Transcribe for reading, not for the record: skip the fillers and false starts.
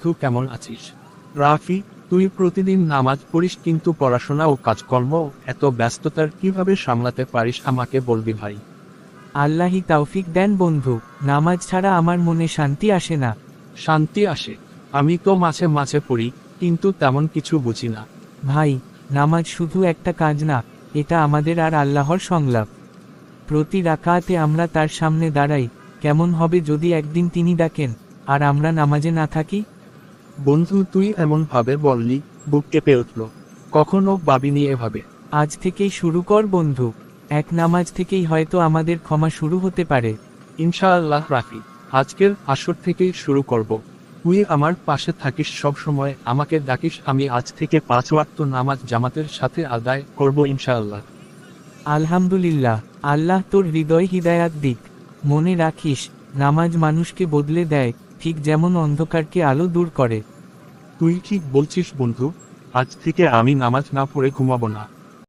বন্ধু, কেমন আছিস? রাফি, তুই প্রতিদিন নামাজ পড়িস কিন্তু পড়াশোনা ও কাজকর্ম এত ব্যস্ততার কিভাবে সামলাতে পারিস আমাকে বলবি ভাই। আল্লাহি তাওফিক দেন বন্ধু, নামাজ ছাড়া আমার মনে শান্তি আসে না। শান্তি আসে? আমি তো মাঝে মাঝে পড়ি, কিন্তু তেমন কিছু বুঝি না। ভাই, নামাজ শুধু একটা কাজ না, এটা আমাদের আর আল্লাহর সংলাপ। প্রতি রাকাতে আমরা তার সামনে দাঁড়াই। কেমন হবে যদি একদিন তিনি ডাকেন আর আমরা নামাজে না থাকি? বন্ধু, তুই এমন ভাবে বললি, বুক কেঁপে উঠল। কখনো ভাবিনি এভাবে। আজ থেকেই শুরু কর বন্ধু, এক নামাজ থেকেই হয়তো আমাদের ক্ষমা শুরু হতে পারে। ইনশাআল্লাহ রাফি, আজকের আসর থেকেই শুরু করব। তুই আমার পাশে থাকিস সব সময়, আমাকে ডাকিস, আমি আজ থেকে 5 ওয়াক্ত নামাজ জামাতের সাথে আদায় করব ইনশাআল্লাহ। আলহামদুলিল্লাহ, আল্লাহ তোর হৃদয় হিদায়াত দিক। মনে রাখিস, নামাজ মানুষকে বদলে দেয়, ঠিক যেমন অন্ধকারকে আলো দূর করে। তুই ঠিক বলছিস বন্ধু, আজ থেকে আমি নামাজ না পড়ে ঘুমাবো না।